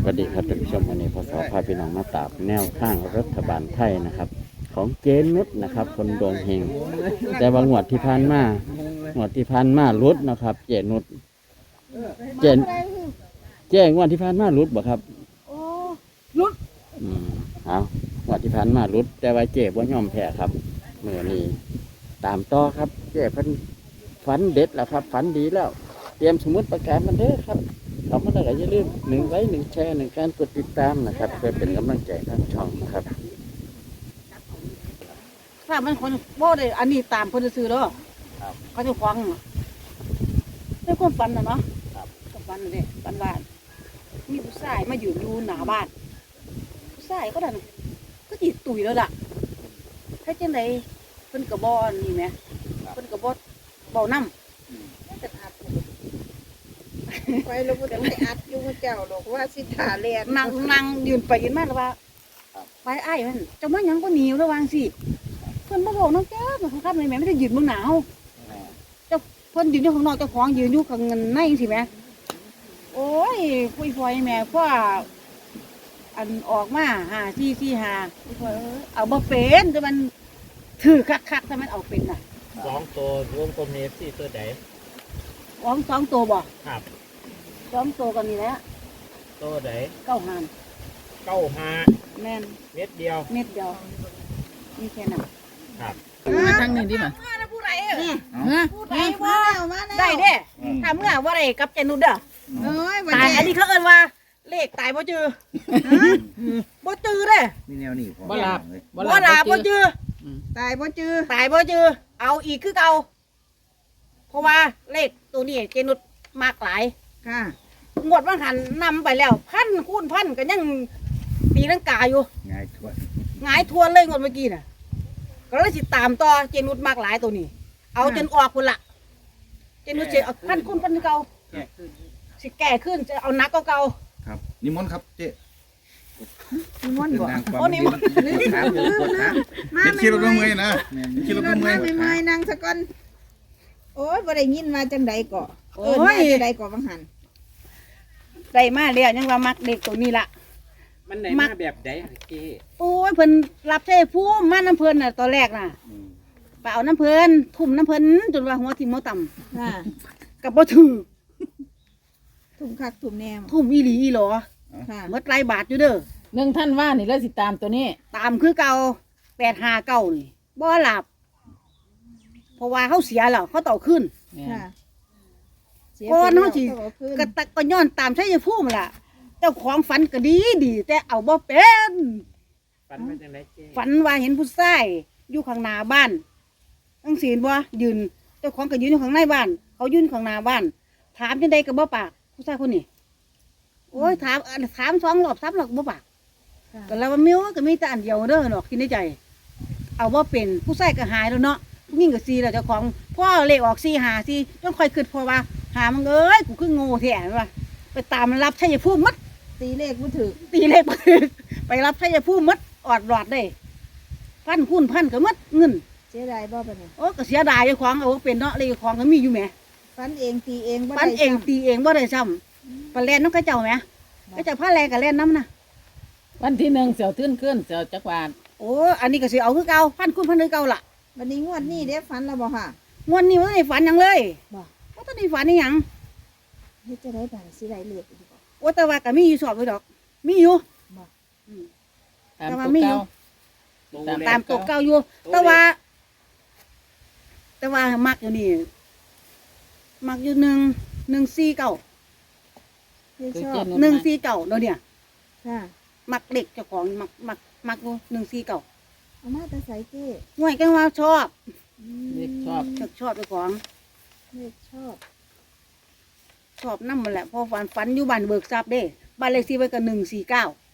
วัสดีครับท่านผู้ชมวันนี้พศพาพี่น้องมาตามแนวข้างรัฐบาลไทยนะครับ ของเจนุชนะครับ คนดวงเฮงแต่ว่างวดที่ผ่านมางวดที่ผ่านมารุดนะครับ เจนุชเจนเจ๊งวดที่ผ่านมารุดบ่ครับโอ้รุดเอางวดที่ผ่านมารุดแต่ว่าเจ๊บ่ยอมแพ้ครับเมื่อนี้ตามต่อครับเจ๊เพิ่นฝันเด็ดแล้วครับฝันดีแล้วเตรียมสมุดประกาศมันเด้อครับเราก็ได้อย่าลืม1 ไลค์ 1 แชร์ 1 การกดติดตามนะครับเพื่อเป็นกำลังใจทางช่องนะครับถ้ามันคนบ่ได้อันนี้ตามคนซื้อเด้อเขาจะฟังเป็นความฝันนะเนาะความฝันนี่ฝันบ้านมีผู้ชายมายืนอยู่หน้าบ้านผู้ชายก็ได้ก็จีตุยแล้วล่ะถ้าจังไดเพิ่นกระบอกนี่ไหมเพิ่นกระบอกเบาน้ำจะอาบไปลูกจะไม่อัดยุ่งเจ้าหรอกว่าสิถาเรียนนั่งยืนไปยืนมาแล้วว่าไปไอ้มันจะมายังก็หนีระวังสิเพิ่นมาบอกน้องแก้วมันครับในแม่ไม่ได้ยืนเมืองหนาวเจ้าเพิ่นยืนอยู่ข้างนอกเจ้าของยืนอยู่ข้างในสิแม่โอ้ยคุยฟอยแม่พ่ออันออกมา5 4 4 5เอาบ่เป็นแต่มันถือคักๆถ้ามันเอาเป็นน่ะ 2 ตัวรวมกลมเนฟซี่ตัวใด 2 ตัวบ่ครับ 2 ตัวก็นี่แหละตัวใดแม่นเม็ดเดียวนี่แค่นั้นครับมาทางนี้ดิมาผู้ใดผู้ใดว่าได้เด้ถ้าเมื่อว่าได้กับเจนุดเด้อตายอันนี้เขาเอิ้นว่าเลขตายบ่จือบ่จือเด้มีแนวนี้บ่ลาบบ่จือตายบ่จือเอาอีกคือเก่าเพราะว่าเลขตัวนี้เจนุดมากหลายค่ะงวดว่าหันนำไปแล้ว1,000 คูณ 1,000ก็ยังตีลังกาอยู่หงายทวนเลยงวดเมื่อกี้น่ะก็เลยสิตามต่อเจนุดมากหลายตัวนี้เอาจนออกพุ่นละเจนุดสิเอา1,000 คูณ 1,000เก่าสิแก่ขึ้นจะเอานักเก่าครับนิมนต์ครับเจ๊นิมนต์บ่โอ้นิมนต์เป็นคิดเราก็เมื่อยนะคิดเราก็เมื่อยนั่งสักก่อนโอ้ยบ่ได้ยินมาจังใดก่อจังใดก่อบางหันได้มาแล้วยังว่ามักเด็กตัวนี้ละมันได้มาแบบใดเจ๊โอ้ยเพิ่นรับใช้ผู้มาน้ำเพิ่นน่ะตอนแรกน่ะไปเอาน้ำเพิ่นทุ่มน้ำเพิ่นจนว่าหัวทิ่มหัวต่ำกับบ่ถือทุ่มคักทุ่มแนมทุ่มอีหลีอีหลอหมดหลายบาทอยู่เด้อ 1 ท่านว่านี่แล้วสิตามตัวนี้ตามคือเก่า859นี่บ่หลับเพราะว่าเขาเสียแล้วเขาต่อขึ้นก่อนเขาสิกระตักก็ย้อนตามใช้ยาพุ่มล่ะเจ้าของฝันก็ดีแต่เอาบ่เป็นฝันว่าจังได๋เจ๊ฝันว่าเห็นผู้ชายอยู่ข้างหน้าบ้านจังซี่บ่ยืนเจ้าของก็ยืนอยู่ข้างในบ้านเขายืนข้างหน้าบ้านถามจังได๋ก็บ่ปากผู้ชายคนนี้โอ้ยถาม2 รอบ 3 รอบบ่ปากก็แล้วว่ามิ้วก็มีแต่อันเดียวเด้อเนาะคิดในใจเอาบ่เป็นผู้ชายก็หายแล้วเนาะผู้หญิงก็4แล้วเจ้าของพ่อเลขออก4 5 4ต้องค่อยคิดพอว่าหามันเอ้ยกูคือโง่แท้ว่าไปตามรับชัยภูมิมัดตีเลขบ่ถูกไปรับชัยภูมิมัดอดรอดได้1,000 คูณ 1,000ก็มัดเงินเสียดายบ่ปานนี้โอ้ก็เสียดายเจ้าของเอาเป็นเนาะเลขของก็มีอยู่แหมฟันเองตีเองบ่ได้ฟันเองตีเองบ่ได้ซ้ำปลาแล่นนำกระเจ้าแหมกระเจ้าพาแลก็แล่นนำนะวันที่1เสี่ยวตื้นขึ้นเสี่ยวจักรวาลโอ้อันนี้ก็สิเอาคือเก่า1,000 คูณ 1,000คือเก่าล่ะวันนี้งวดนี้ได้ฝันแล้วบ่ค่ะงวดนี้บ่ได้ฝันหยังเลยบ่บ่ได้ฝันอีหยังเฮ็ดจะได้บาดสิได้เลขอีกบ่โอ้แต่ว่าก็มีอยู่สอบไว้ดอกมีอยู่บ่แต่ว่ามีอยู่ตามตัวเก่าอยู่แต่ว่ามักอยู่นี่มักอยู่149 149เนาะเนี่ยค่ะมักเด็กเจ้าของมักอยู่149 เอามาแต่ใส่เจ้ห่วยกันว่าชอบเด็กชอบเจ้าของเด็กชอบนำมันแหละพอฝันอยู่บ้านเบิกทรัพย์เด้บ้านเลขที่ไว้ก็149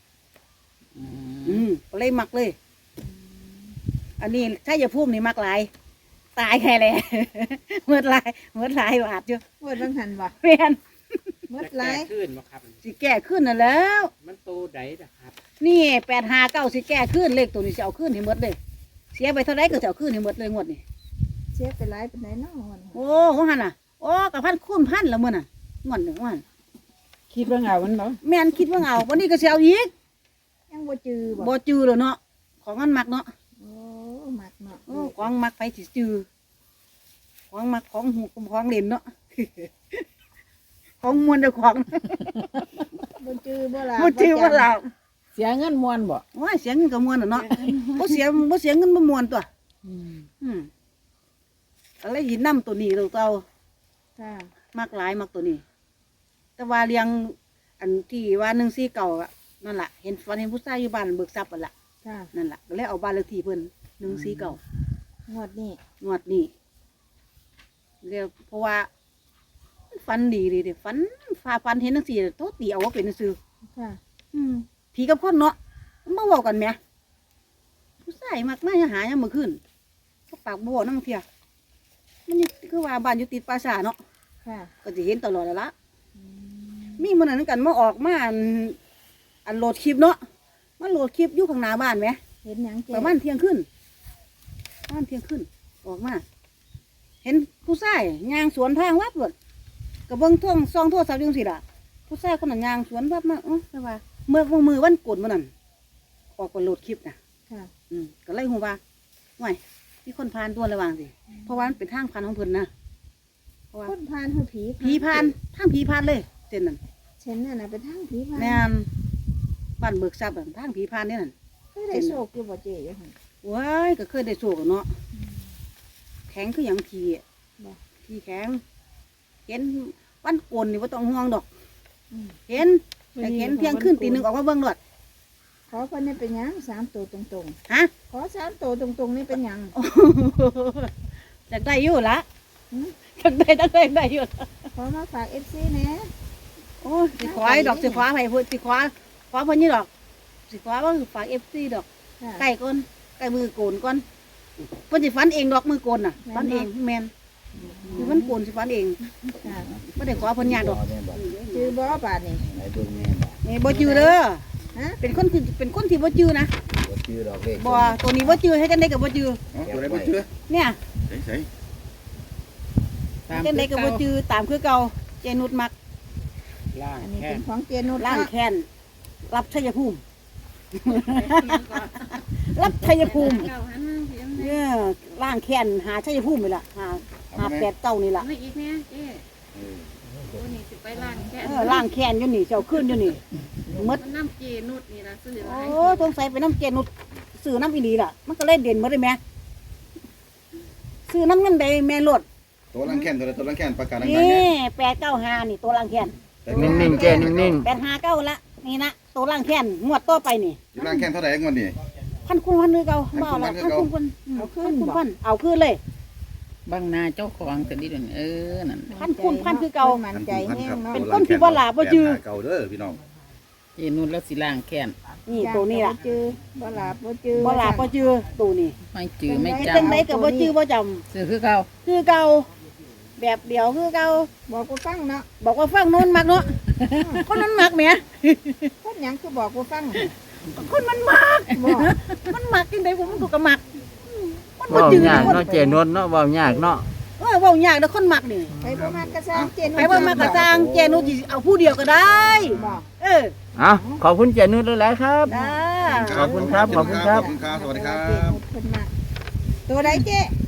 ก็เลยมักเลยอันนี้ถ้าอย่าพูดนี่มักหลายตายแค่เลยเมื่อหลายบาทอยู่เมื่อบางหันบ่แม่นเมื่อหลายขึ้นบ่ครับสิแก้ขึ้นน่ะแล้วมันโตใดล่ะครับนี่859สิแก้ขึ้นเลขตัวนี้สิเอาขึ้นให้หมดเลยเสียไปเท่าไรก็จะเอาขึ้นให้หมดเลยงวดนี้เสียไปหลายปานใดเนาะโอ้หันน่ะโอ้ก็1,000 คูณ 1,000แล้วมื้อน่ะงวดนึงวันคิดว่าเอามันบ่แม่นคิดว่าเอาวันนี้ก็สิเอาอีกยังบ่จือบ่บ่จือแล้วเนาะของมันมักเนาะโอ้มักเนาะโอ้ของมักไปสิจือของมักของหูของเล่นเนาะ ของมวนเจ้าของบ่จือบ่ล่ะบ่จือว่าเราเสียเงินมวนบ่โอ้ยเสียเงินก็มวนน่ะเนาะบ่เสียเงินบ่มวนตัว อืมก็เลยหินน้ำตัวนี้ตัวเก่าค่ะมักหลายมักตัวนี้ แต่ว่าเลี้ยงอันที่ว่า149อ่ะนั่นล่ะเห็นฝันเห็นผู้ชายอยู่บ้านเบิกทรัพย์นั่นล่ะค่ะนั่นล่ะก็เลยเอาบ้านเลขที่เพิ่น149 งวดนี้งวดนี้เรียกเพราะว่าฟันดีเลยเดี๋ยวฟันเห็นทั้งสี่โทษตีเอาว่าเป็นซื่อค่ะผีกับคนเนาะมันมาบอกกันไหมผู้ชายมักน่าจะหายังมือขึ้นเขาปากบวน้ำเทียมันนี่คือว่าบ้านอยู่ติดปราสาทเนาะค่ะก็จะเห็นตลอดแล้วละมีมันนั้นกันมาออกมาอันโหลดคลิปเนาะมันโหลดคลิปอยู่ข้างหน้าบ้านไหมเห็นหยังเจ๊ประมาณเที่ยงขึ้นออกมา เห็นผู้ชายย่างสวนทางวัดเบิดกับเบิ้งท่วงซองโทรศัพท์จังสิล่ะผู้ชายคนนั้นย่างสวนวัดมาแต่ว่าเมื่อมือวันโกนมันนั่นออกไปโหลดคลิปนะค่ะก็เลยหูว่าห่วยมีคนพานตัวระวังสิเพราะว่ามันเป็นทางพานของเพิ่นนะเพราะว่าคนพานคือผีผีพานทางผีพานเลยเส้นนั้นเช่นนั่นน่ะเป็นทางผีพานแม่นบ้านเบิกทรัพย์อะทางผีพานนี่นั่นเคยได้โชคอยู่บ่เจ๊อยู่หั่นว้ายก็เคยได้โชคอะเนาะแข็งคืออย่างผีอะบ่ผีแข็ง เห็นวันโกนนี่ว่าต้องห่วงดอกอืมเห็นแต่เห็นเพียงขึ้นตีหนึ่งออกมาเบิ่งรถขอเพิ่นนี่เป็นหยัง3ตัวตรงฮะๆขอ3ตัวตรงๆนี่เป็นหยังจากได้อยู่ละหืมจากได้อยู่ละขอมาฝาก FC แหน่โอ้ยสิขวายดอกสิขวาไปพูดสิขวาเพิ่นนี่ดอกสิขวาว่าฝากFC ดอกค่ะใกล้ก่อนใกล้มือโกนก่อนเพิ่นสิฟันเองดอกมือโกนน่ะแม่นฟันเองแม่นคือมันโกนสิฟันเองค่ะบ่ได้ขอเพิ่นยากดอกจือบ่บาดนี่นี่บ่จือเด้อฮะเป็นคนที่บ่จือนะบ่ตัวนี้บ่จือให้จังได๋ก็บ่จืออ๋อตัวไหนบ่เชื่อเนี่ยใส่ตามจังได๋ก็บ่จือตามคือเก่าเจนุดมักล่างอันนี้แค่เป็นของเจนุชล้างเนาะแค้นรับชัยภูมิ รับชัยภูมิเนี่ยล้างแค้นหาชัยภูมินี่ล่ะหา8เก้านี่ล่ะไม่อีกเนี่ยเจ๊โอ้นี่สิไปล้างแค่ล้างแค้นอยู่นี่เจ้าขึ้นอยู่นี่หมดมันน้ำเจนุดนี่ละซื้อโอ้ไว้สงสัยไปน้ำเจนุดซื้อน้ำอีหลีล่ะ มันก็เลยเด่นหมดเลยแม่ซื้อน้ำเงินใดแม่โลดตัวลังแค้นตัวลังแค้นประกาศดังๆนี่เนี่ย 895นี่ตัวล้างแค้นนิ่งๆเจ้นิ่ง 859ละนี่นะตัวล้างแค้นงวดต่อไปนี่อยู่ลังแค้นเท่าไหร่งวดนี้พันคูณพันคือเก่าบ่เอาละพัพันนคูคูณณพันพันเอาคืนเลยบางนาเจ้าของแต่นี่เด่นนั่นพันคูณพันคือเก่ามันใจแห้งเนาะเป็นคนที่บ่หลาบ่จือเก่าเด้อพี่น้องเจนุ่นแล้วสิล่างแค้นนี่ตัวนี้ล่ะบ่จือบ่หลาบบ่จือบ่หลาบ่จือตัวนี้ไม่จือไม่เฮ็ดจจังไดก็บ่จือบ่จำำซื้อคือเก่าคือเก่าแบบเดียวคือเก่าบอกกูฟังเนาะบอกว่าฟังโน้นมักเนาะคนนั้นมักแหมคนหยังคือบอกกูฟังคนมันมักบอกมันมักจังไดผมมันก็มักมันๆบ่เว้าจือยากคนเนาะเจนวลเนาะเว้ายากเนาะเว้ายากเด้อคนมักนี่ไปบ่มากระซ้างเจนุชไปว่ามากระสร้างแจนุสิเอาผู้เดียวก็ได้บอกเออเอาขอบคุณเจนุชหลายๆครับได้ขอบคุณครับขอบคุณครับขอบคุณครับ สวัสดีครัเจบนุชเพิ่นมาตัวใดเจ๊